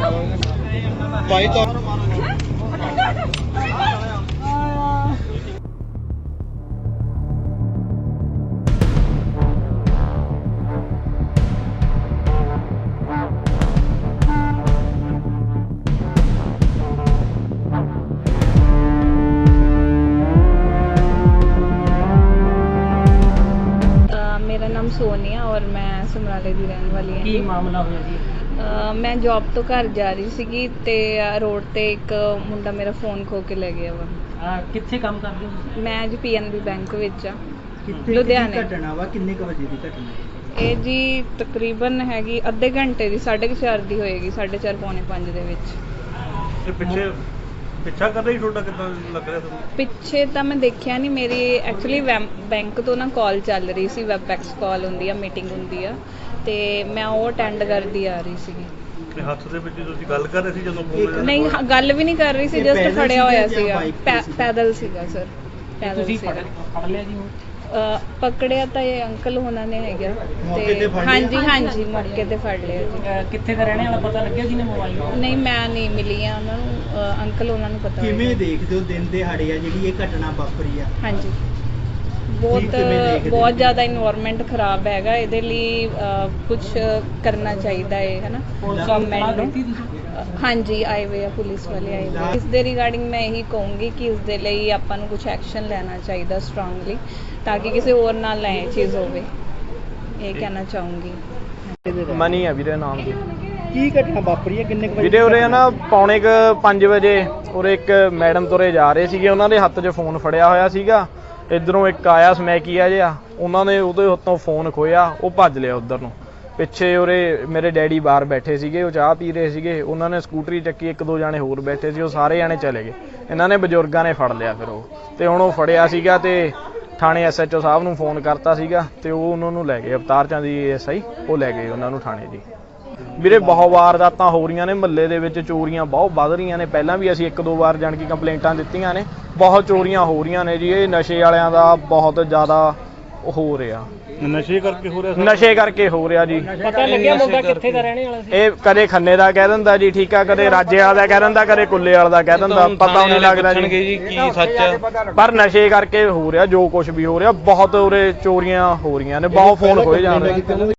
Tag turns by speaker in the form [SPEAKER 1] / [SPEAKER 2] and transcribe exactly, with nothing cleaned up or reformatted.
[SPEAKER 1] ਭਾਈ ਤਾਂ
[SPEAKER 2] मेरा नाम सोनिया और मैं समराले ਦੀ ਰਹਿਣ ਵਾਲੀ ਹਾਂ।
[SPEAKER 3] ਕੀ ਮਾਮਲਾ ਹੋਇਆ ਜੀ?
[SPEAKER 2] ਅਹ ਮੈਂ ਜੌਬ ਤੋਂ ਘਰ ਜਾ ਰਹੀ ਸੀਗੀ ਤੇ ਰੋਡ ਤੇ ਇੱਕ ਮੁੰਡਾ ਮੇਰਾ ਫੋਨ ਖੋ ਕੇ ਲੈ ਗਿਆ ਵਾ।
[SPEAKER 3] ਆ ਕਿੱਥੇ ਕੰਮ ਕਰਦੇ ਹੋ?
[SPEAKER 2] ਮੈਂ ਜੀ ਪੀਐਨਬੀ ਬੈਂਕ ਵਿੱਚ ਆ
[SPEAKER 1] ਕਿੱਥੇ
[SPEAKER 2] ਲੁਧਿਆਣੇ।
[SPEAKER 1] ਘਟਨਾ ਵਾ ਕਿੰਨੇ ਕੁ ਵਜੇ ਦੀ ਘਟਨਾ?
[SPEAKER 2] ਇਹ ਜੀ ਤਕਰੀਬਨ ਹੈਗੀ ਅੱਧੇ ਘੰਟੇ ਦੀ, ਸਾਢੇ ਕੁ ਚਾਰ ਦੀ ਹੋਏਗੀ, ਸਾਢੇ ਚਾਰ ਪੌਣੇ ਪੰਜ ਦੇ ਵਿੱਚ।
[SPEAKER 4] ਤੇ ਪਿੱਛੇ ਪਿੱਛਾ ਕਰ ਰਹੀ ਤੁਹਾਡਾ ਕਿੱਦਾਂ ਲੱਗ ਰਿਹਾ ਤੁਹਾਨੂੰ?
[SPEAKER 2] ਪਿੱਛੇ ਤਾਂ ਮੈਂ ਦੇਖਿਆ ਨਹੀਂ, ਮੇਰੀ ਐਕਚੁਅਲੀ ਬੈਂਕ ਤੋਂ ਨਾ ਕਾਲ ਚੱਲ ਰਹੀ ਸੀ, ਵੈਬਐਕਸ ਕਾਲ ਹੁੰਦੀ ਆ, ਮੀਟਿੰਗ ਹੁੰਦੀ ਆ, ਤੇ ਮੈਂ ਉਹ ਅਟੈਂਡ ਕਰਦੀ ਆ ਰਹੀ ਸੀਗੀ।
[SPEAKER 4] ਤੇ ਹੱਥ ਦੇ ਵਿੱਚ ਤੁਸੀਂ ਗੱਲ ਕਰ ਰਹੇ ਸੀ ਜਦੋਂ ਫੋਨ
[SPEAKER 2] ਨਹੀਂ ਹ- ਗੱਲ ਵੀ ਨਹੀਂ ਕਰ ਰਹੀ ਸੀ,
[SPEAKER 1] ਇਹ
[SPEAKER 2] ਜਸਟ
[SPEAKER 1] ਪੈਦਲ
[SPEAKER 2] ਖੜਿਆ ਹੋਇਆ
[SPEAKER 1] ਸੀਗਾ ਜਾਂ
[SPEAKER 2] ਸੀਗਾ,
[SPEAKER 1] bike ਤੇ
[SPEAKER 2] ਪੈ-
[SPEAKER 1] ਸੀਗਾ?
[SPEAKER 2] ਪੈਦਲ ਸੀਗਾ ਸਰ, ਪੈਦਲ
[SPEAKER 3] ਤੁਸੀਂ ਫੜ
[SPEAKER 2] ਸੀਗਾ।
[SPEAKER 3] ਫੜ ਲਿਆ ਜੀ ਉਹ?
[SPEAKER 2] ਅਹ ਪਕੜਿਆ ਤਾਂ ਇਹ ਅੰਕਲ ਉਹਨਾਂ ਨੇ ਹੈਗਾ
[SPEAKER 1] ਮੌਕੇ ਤੇ ਫੜ ਲਿਆ?
[SPEAKER 2] ਹਾਂਜੀ ਹਾਂਜੀ ਮੌਕੇ ਤੇ ਫੜ ਲਿਆ ਜੀ।
[SPEAKER 3] ਅਹ ਕਿੱਥੇ ਦਾ ਰਹਿਣੇ ਵਾਲਾ ਪਤਾ ਲੱਗਿਆ ਜੀ ਨੇ ਮੋਬਾਈਲ?
[SPEAKER 2] ਨਹੀਂ ਮੈਂ ਨਹੀਂ ਮਿਲੀ ਆ ਉਹਨਾਂ ਨੂੰ, ਅਹ ਅੰਕਲ ਉਹਨਾਂ ਨੂੰ ਪਤਾ
[SPEAKER 1] ਕਿਵੇਂ
[SPEAKER 2] ਹੋਏਗਾ।
[SPEAKER 1] ਦੇਖਦੇ ਹੋ ਦਿਨ ਦਿਹਾੜੇ ਆ ਜਿਹੜੀ ਇਹ ਘਟਨਾ ਵਾਪਰੀ ਆ?
[SPEAKER 2] ਹਾਂਜੀ ਬਹੁਤ
[SPEAKER 1] ਕਿਵੇਂ ਦੇਖਦੇ ਹੋ?
[SPEAKER 2] ਬਹੁਤ ਜ਼ਿਆਦਾ ਇਨਵਾਇਰਨਮੈਂਟ ਖਰਾਬ ਹੈਗਾ, ਇਹਦੇ ਲਈ ਕੁਝ ਕਰਨਾ ਚਾਹੀਦਾ ਹੈ ਹੈ ਨਾ ਗਵਰਨਮੈਂਟ ਨੂੰ। ਅਹ ਹਾਂਜੀ ਆਏ ਹੋਏ ਆ ਪੁਲਿਸ ਵਾਲੇ ਆਏ ਹੋਏ। ਇਸ ਦੇ ਰਿਗਾਰਡਿੰਗ ਮੈਂ ਇਹੀ ਕਹੂੰਗੀ ਕਿ ਇਸ ਦੇ ਲਈ ਆਪਾਂ ਨੂੰ ਕੁਝ ਐਕਸ਼ਨ ਲੈਣਾ ਚਾਹੀਦਾ ਸਟਰੋਂਗਲੀ, ਤਾਂ ਕਿ ਕਿਸੇ ਹੋਰ ਨਾਲ ਨਾ ਇਹ ਚੀਜ਼ ਹੋਵੇ, ਇਹ ਕਹਿਣਾ ਚਾਹੂੰਗੀ।
[SPEAKER 5] ਮਨੀ ਆ ਵੀਰੇ ਨਾਮ ਦੀ।
[SPEAKER 1] ਕੀ ਘਟਨਾ ਵਾਪਰੀ ਹੈ? ਕਿੰਨੇ ਕੁ ਵਜੇ
[SPEAKER 5] ਵੀਰੇ ਉਰੇ ਆ ਨਾ ਪੌਣੇ ਕ ਪੰਜ ਵਜੇ ਉਰੇ ਇੱਕ ਮੈਡਮ ਤੁਰੇ ਜਾ ਰਹੇ ਸੀਗੇ, ਉਹਨਾਂ ਦੇ ਹੱਥ 'ਚ ਫੋਨ ਫੜਿਆ ਹੋਇਆ ਸੀਗਾ। ਇੱਧਰੋਂ ਇੱਕ ਆਇਆ ਸਮੈਕੀਆ ਜਿਹਾ, ਉਹਨਾਂ ਨੇ ਉਹਦੇ ਹੱਥੋਂ ਫੋਨ ਖੋਇਆ, ਉਹ ਭੱਜ ਲਿਆ ਉੱਧਰ ਨੂੰ। ਪਿੱਛੇ ਉਰੇ ਮੇਰੇ ਡੈਡੀ ਬਾਹਰ ਬੈਠੇ ਸੀਗੇ, ਉਹ ਚਾਹ ਪੀ ਰਹੇ ਸੀਗੇ, ਉਹਨਾਂ ਨੇ ਸਕੂਟਰੀ ਚੱਕੀ, ਇੱਕ ਦੋ ਜਾਣੇ ਹੋਰ ਬੈਠੇ ਸੀ, ਉਹ ਸਾਰੇ ਜਾਣੇ ਚਲੇ ਗਏ। ਇਹਨਾਂ ਨੇ ਬਜ਼ੁਰਗਾਂ ਨੇ ਫੜ ਲਿਆ ਫਿਰ ਉਹ, ਤੇ ਹੁਣ ਉਹ ਫੜਿਆ ਸੀਗਾ ਤੇ ਥਾਣੇ ਐਸ ਐਚ ਓ ਸਾਹਿਬ ਨੂੰ ਫੋਨ ਕਰਤਾ ਸੀਗਾ, ਤੇ ਉਹ ਉਹਨਾਂ ਨੂੰ ਲੈ ਗਏ, ਅਵਤਾਰ ਚੰਦ ਜੀ ਐਸ ਆਈ, ਉਹ ਲੈ ਗਏ ਉਹਨਾਂ ਨੂੰ ਥਾਣੇ ਜੀ। ਵੀਰੇ ਬਹੁਤ ਵਾਰਦਾਤਾਂ ਹੋ ਰਹੀਆਂ ਨੇ ਮੁਹੱਲੇ ਦੇ ਵਿੱਚ, ਚੋਰੀਆਂ ਬਹੁਤ ਵੱਧ ਰਹੀਆਂ ਨੇ। ਪਹਿਲਾਂ ਵੀ ਅਸੀਂ ਇੱਕ ਦੋ ਵਾਰ ਜਾਣ ਕੇ ਕੰਪਲੇਂਟਾਂ ਦਿੱਤੀਆਂ ਨੇ, ਬਹੁਤ ਚੋਰੀਆਂ ਹੋ ਰਹੀਆਂ ਨੇ ਜੀ। ਇਹ ਨਸ਼ੇ ਵਾਲਿਆਂ ਦਾ ਬਹੁਤ ਜ਼ਿਆਦਾ ਹੋ ਰਿਹਾ,
[SPEAKER 4] ਨਸ਼ੇ ਕਰਕੇ ਹੋ ਰਿਹਾ?
[SPEAKER 5] ਨਸ਼ੇ ਕਰਕੇ ਹੋ ਰਿਹਾ ਜੀ।
[SPEAKER 3] ਪਤਾ ਲੱਗਿਆ ਮੁੰਡਾ ਕਿੱਥੇ ਦਾ ਰਹਿਣੇ ਵਾਲਾ ਸੀ?
[SPEAKER 5] ਇਹ ਕਦੇ ਖੰਨੇ ਦਾ ਕਹਿ ਦਿੰਦਾ ਜੀ, ਠੀਕ ਆ, ਕਦੇ ਰਾਜੇ ਵਾਲਾ ਦਾ ਕਹਿ ਦਿੰਦਾ, ਕਦੇ ਕੁੱਲੇ ਵਾਲਾ ਦਾ ਕਹਿ ਦਿੰਦਾ, ਪਤਾ ਨਹੀਂ ਲੱਗਦਾ ਜੀ
[SPEAKER 4] ਕੀ ਸੱਚ।
[SPEAKER 5] ਪਰ ਨਸ਼ੇ ਕਰਕੇ ਹੋ ਰਿਹਾ ਜੋ ਕੁਝ ਵੀ ਹੋ ਰਿਹਾ। ਬਹੁਤ ਉਰੇ ਚੋਰੀਆਂ ਹੋ ਰਹੀਆਂ ਨੇ, ਬਹੁਤ ਫੋਨ ਖੋਏ ਜਾ ਰਹੇ।